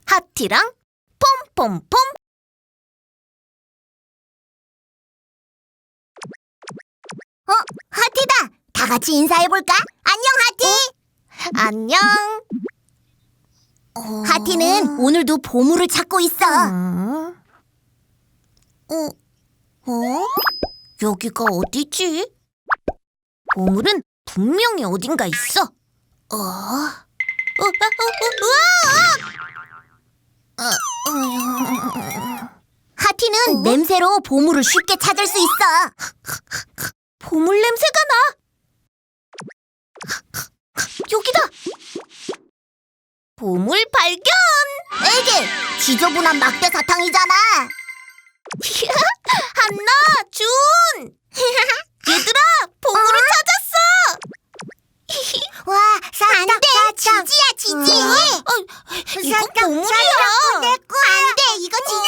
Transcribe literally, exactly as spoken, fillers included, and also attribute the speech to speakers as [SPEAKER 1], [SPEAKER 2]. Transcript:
[SPEAKER 1] 하티랑 폼폼폼.
[SPEAKER 2] 어, 하티다. 다 같이 인사해볼까? 안녕, 하티.
[SPEAKER 1] 안녕.
[SPEAKER 2] 하티는 오늘도 보물을 찾고 있어.
[SPEAKER 1] 음,
[SPEAKER 2] 어, 어?
[SPEAKER 1] 여기가 어디지? 보물은 분명히 어딘가 있어. 어? 어, 어, 어, 어, 어,
[SPEAKER 2] 하티는
[SPEAKER 1] 어?
[SPEAKER 2] 냄새로 보물을 쉽게 찾을 수 있어.
[SPEAKER 1] 보물 냄새가 나. 여기다. 보물 발견.
[SPEAKER 2] 에게, 지저분한 막대 사탕이잖아.
[SPEAKER 1] 한나, 준. 얘들아, 보물을 찾았어.
[SPEAKER 2] 와, 사탕, 안 돼, 지지야, 지지.
[SPEAKER 1] 어, 이건 보물이야.
[SPEAKER 2] 안 돼, 이거 지지.